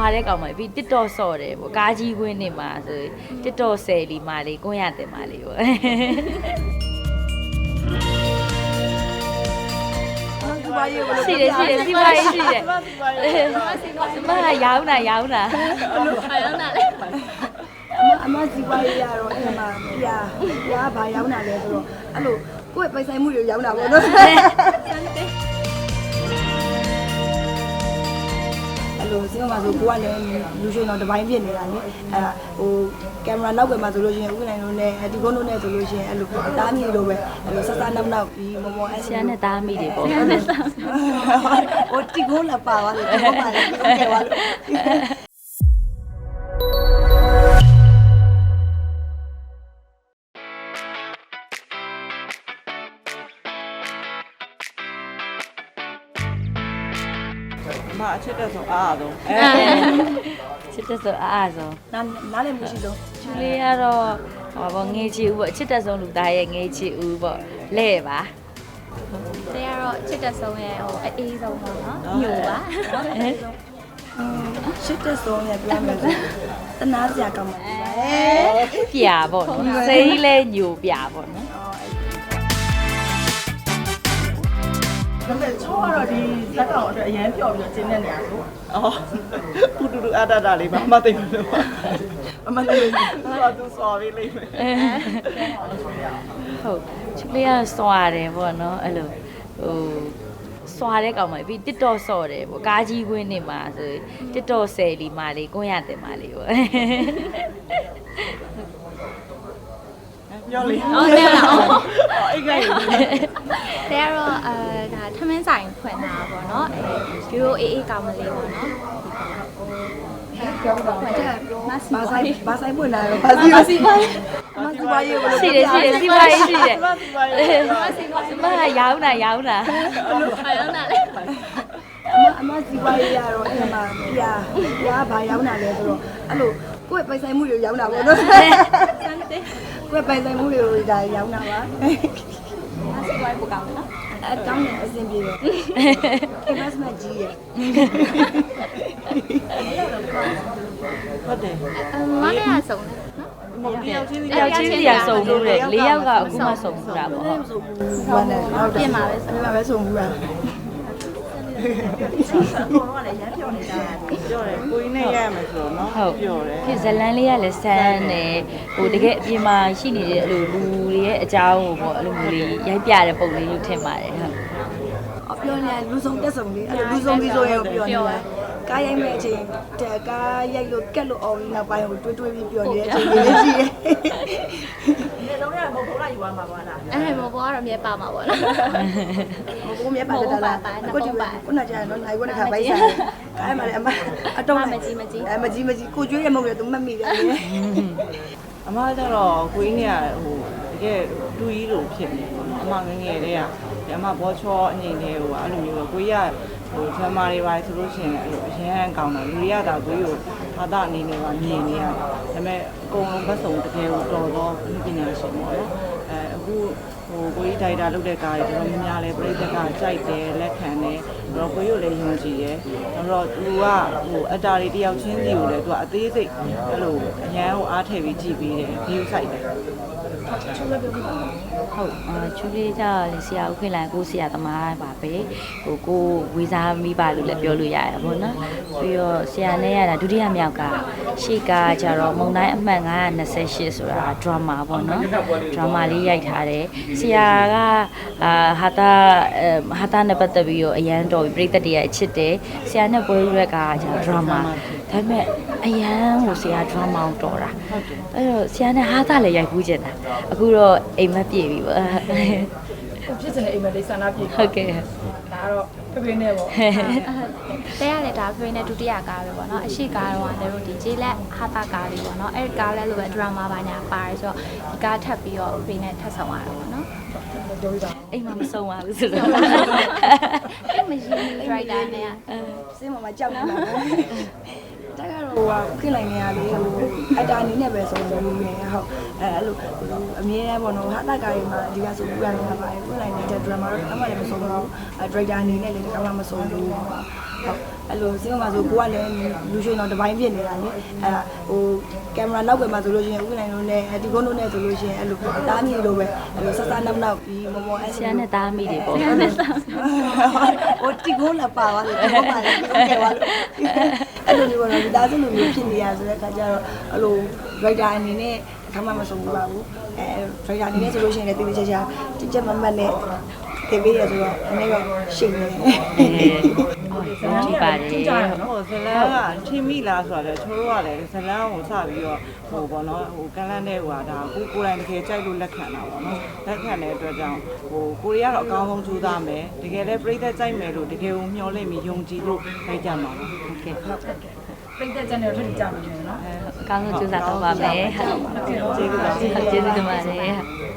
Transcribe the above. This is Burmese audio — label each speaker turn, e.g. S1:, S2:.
S1: တဲ့ကောင်မလေးပြီး TikTok ဆော့တယ်ပေါ့ကားကြီးဝင်းနေမှာဆို TikTok ဆယ်လီမာလေးကိုရတင်မာလေးပေါ့ရှိတယ်စီပါရေးရှိတယ်မရောင်းတာ
S2: လေအမစီပါရေးရတော့အဲ့မှာပြာဘာရောင်းတာလဲဆိုတော့အဲ့လိုကိုယ့်ပိုင်ဆိုင်မှုတွေရောင်းတာပေါ့နော်လို့စင်းမှာဆိုကိုကလည်းလူရှင်တော်တစ်ပိုင်းဖြစ်နေတာလေအဲဟိုကင်မရာနောက်ွယ်မှာဆိုလို့ရှိရင်ဥက္ကဋ္ဌတို့နဲ့ဒီကုန်းတို့နဲ့ဆိုလို့ရှိရင်အဲ့လိုတားမိလို့ပဲအဲ့လိုဆက်စားနောက်ပြီးမောအဆီယန်
S1: နဲ့တားမိတယ်ပေါ့
S2: ဟိုဒီကုန်းလာပါသွားတယ်ဒီကုန်းပါလေဒီကုန်းကျသွားလို့
S3: မအချစ်တဲ့ဆိုအားဆုံး
S1: ချစ်တဲ့ဆိုအားဆုံး
S2: နားလည်းမရှိဆုံး
S1: ချူလေးကတော့ဟောပေါ့ငေးချီဦးပေါ့ချစ်တဲ့ဆုံးလူသားရဲ့ငေးချီဦးပေါ့လဲ့ပါ
S4: တဲကတော့ချစ်တဲ့ဆုံးရဲ့ဟိုအေးဆုံးပေါ့နော်ညိုပါ
S2: ချစ်တဲ့ဆုံးရဲ့ပြောမယ်ဆိုတနာစရာကောင်းပါ
S1: ပြာပေါ့နော်စိတ်လဲညိုပြာပေါ့နော်
S3: ဒါပေမဲ့ချိုးကတော့ဒီဇက်ကောင်အတွက်အရန်ပျော်ပြီးတော့ကျင်းနေနေရဆိုအော်ပူတူတူအတတာလေးပါမသိဘူးလို့အမလေးသူစော်ပြီးလိမ့်မယ်
S1: ဟုတ်ချစ်လေးကစွာတယ်ပေါ့နော်အဲ့လိုဟိုစွာတဲ့ကောင်မလေးပြီး TikTok ဆော့တယ်ပေါ့ကားကြီးဝင်းနေမှာဆို TikTok ဆယ်လီမာလေးကိုရတင်မာလေးပေါ့
S3: ပြောလေ
S4: ဟုတ်တယ်လား
S3: အိတ်ကို
S4: တဲကတော့ဒါထမင်းဆိုင်ဖွင့်တာပေါ့နော်ဒီလိုအေးအေးကောင်းမလေးပေါ့နော်
S2: ပြောပါဦးဘာဆိုင်ပွင့်လာရောဘာစီပါရေး
S1: ရှိတယ်စီပါရေးရှိတယ်မရောင်းတာ
S4: လေ
S2: အမစီပါရေးရတော့အဲ့မှာပြာဘာရောင်းတာလဲဆိုတော့အဲ့လိုကိုယ့်ပိုင်ဆိုင်မှုတွေရောင်းတာပေါ့နော်ကိုယ့်ပိုင်ဆိုင်မှုတွေဒါရောင်းတာပါ
S4: စီပါရေးပိုကောင်းတယ်နော်
S2: အကောင်းတယ်အဆင်ပြေတယ် investment ကြီးရယ်
S3: ဟုတ်တယ်
S4: မလေးရဆုံး
S3: နော်တယောက်ချင်း
S1: စီရစုံလို့လေ၄ယောက်ကအခုမှစုံဘူးတာပေါ့ဟုတ်
S2: ဟုတ်တယ်ဟုတ်တယ်
S4: ပြင်ပါပဲ
S2: စုံဘူးတာ
S3: ဘောကလည်းရမ်းပြောနေတာပြောတယ်ကိုင်းနဲ့ရရမယ်ဆိုတော့နော်ပြောတယ်
S1: ဖြစ်ဇလန်းလေးကလည်းဆန်းတယ်ဟိုတကယ်အပြင်မှာရှိနေတဲ့အဲ့လိုလူတွေရဲ့အကြောင်းကိုပေါ့အဲ့လိုမျိုးလေးရိုက်ပြတဲ့ပုံလေးလို့ထင်ပါတယ်ဟုတ်
S2: ပြောနေလူစုံတက်စုံလေးအဲ့လိုလူစုံပြီးဆိုရင်ပြောနေတာကားရိုက်မဲ့အချိန်ကားရိုက်လို့ကက်လို့အောင်နောက်ပိုင်းကိုတွေးပြီးပြောနေတဲ့အချိန်လေးရှိတယ်
S3: ဒီလုံးရမဟုတ်ဘူးလားယူသွားမှာပါလား
S4: မော်ဘောကတော့မြဲပါမှာပေါ့နော်
S2: မော်ဘောမြဲပါတယ်လားကိုကြည့်ပါခုနကကြာတော့နိုင်ခွန်းတစ်ခါပိုက်စားကားမှာလည်းအတော့
S4: မကြီး
S2: ကိုကျွေးရမဟုတ်လေသူမှတ်မိတယ်
S3: အမကတော့ကိုင်းနဲ့ဟိုတကယ်တူကြီးလိုဖြစ်နေပေါ့နော်အမငငယ်တည်းကအမဘောချောအငိမ့်လေးဟိုအဲ့လိုမျိုးပဲကိုကြီးကဟိုဂျမားတွေပါဆိုလို့ရှိရင်အဲ့လိုအရန်ကောင်းတယ်လူတွေကဒါကိုကြီးကိုဘာသာအနေနဲ့ပါမြင်နေရတယ်ဒါပေမဲ့အကုန်လုံးဘက်စုံတကယ်ကိုတော်တော်ပညာရှင်ပေါ့နော်အခုဟိုကိုကြီးဒိုင်တာလုပ်တဲ့ကားတွေတော်တော်များများလဲပြိသက်ကကြိုက်တယ်လက်ခံတယ်တော့ကိုကြီးကိုလည်းယုံကြည်တယ်တော့သူကဟိုအတားတွေတယောက်ချင်းစီကိုလည်းသူကအသေးစိတ်အဲ့လိုအရန်ကိုအားထည့်ပြီးကြည့်ပြီးတယ် view site တယ်
S1: ဟုတ်ချူလေးကြလေဆရာဦးခင်လိုင်ကိုဆရာသမားပါပဲဟိုကိုဝေစားမိပါလို့လည်းပြောလို့ရရပါဘောနော်ပြီးတော့ဆရာနဲ့ရတာဒုတိယမြောက်ကရှေ့ကကြတော့မုံတိုင်းအမှတ်928ဆိုတာ drama ပေါ့နော် drama လေးရိုက်ထားတယ်ဆရာကဟာတာနဲ့ပတ်သက်ပြီးတော့အရန်တော်ပြိသက်တွေအချစ်တယ်ဆရာနဲ့ပွဲရက်ကကြ drama ဒါပေမဲ့အရန်ကိုဆရာ drama ကိုတော်တာအဲ့တော့ဆရာနဲ့ဟာတာလည်းရိုက်ကူးကျင်တာအခုတော့အိမ်မက်ပြေပြီပေါ့
S2: ဖြစ်စနေအိမ်မက်လေးဆန္ဒပြေ
S1: ဟုတ်ကဲ့
S2: ဒါတော့ဖေနဲ့ပေါ့
S4: တဲရတယ်ဒါဖေနဲ့ဒုတိယကားပဲပေါ့နော်အရှိကားတော့လည်းတို့ဒီဂျေလက်ဟာတာကားလေးပေါ့နော်အဲ့ကားလည်းလိုပဲဒရာမာပါညာပါတယ်ဆိုတော့ဒီကားထပ်ပြီးတော့ဖေနဲ့ထပ်ဆောင်ရတာပေါ့နော်
S1: အိမ်မှာမဆုံးပါဘူးဆိုတော့
S4: အဲ့မရှင်ဒရိုက်တာနဲ့
S2: စင်းမကြောက်နေတာတက်ကတော့ခင်းလိုက်နေရလေဟိုအတာအနေနဲ့ပဲဆိုလို့နေဟုတ်အဲ့လိုအမြဲတမ်းပေါ့နော်ဟာတကားတွေမှာဒီကဆိုပြရနေတာပါတယ်ခင်းလိုက်နေတဲ့ drama တော့အမှလည်းမဆုံးဘူးdirector အနေနဲ့လည်းကောင်းမှမဆုံးဘူးဟုတ်အဲ့လိုစင်းမှာဆိုကိုကလည်းလူရွှေတော့တပိုင်းဖြစ်နေတာလေအဲ့ဟိုကင်မရာနောက်ွယ်မှာဆိုလို့ရှိရင်ဥက္ကဋ္ဌတို့နဲ့ဒီကုန်းတို့နဲ့ဆိုလို့ရှိရင်အဲ့လိုတားမြည်လိုပဲအဲ့လိုဆက်စားနောက်ပြီးမော်မော်အဲ့
S1: ဆရာနဲ့တားမိတယ်ပေါ့
S2: ဟိုတီကိုလာပါသွားတယ်တီကိုပါလေတီကိုကျသွားလို့အဲ့လိုမျိုးတော့ဒီသားစုလိုမျိုးဖြစ်နေရဆိုတဲ့အခါကျတော့အဲ့လို writer အနေနဲ့အခါမှမဆုံးဘူးပါဘူးအဲ writer အနေနဲ့ဆိုလို့ရှိရင်လည်းတိတိကျကျကြက်မမတ်နဲ့တင်ပေးရဆိုတော့အနေရောရှိနေတယ်
S1: ကြည့်ပါတယ်
S3: ဟိုဇလန်းကထိမိလားဆိုတာလေချိုးတော့ကလည်းဇလန်းကိုစပြီးတော့ဟိုပေါ့နော်ဟိုကန်းလန်းတဲ့ဟိုဟာဒါကိုယ်တိုင်တကယ်ကြိုက်လို့လက်ခံတာပေါ့နော်လက်ခံတဲ့အတွက်ကြောင့်ဟိုကိုရီးယားတော့အကောင်းဆုံးကြိုးစားမယ်တကယ်လည်းပြိသက်ကြိုက်မယ်လို့တကယ်ကိုမျှော်လင့်ပြီးယုံကြည်လို့လိုက်ကြမှာပါ
S1: โอเค
S2: ပြိတ္တကျန်တဲ့ထွက်ကြမှာနော်
S1: အကောင်းဆုံးကြိုးစားတော့ပါမယ်
S3: ကျေးဇူးပါ
S1: ကျေးဇူးတင်ပါတယ်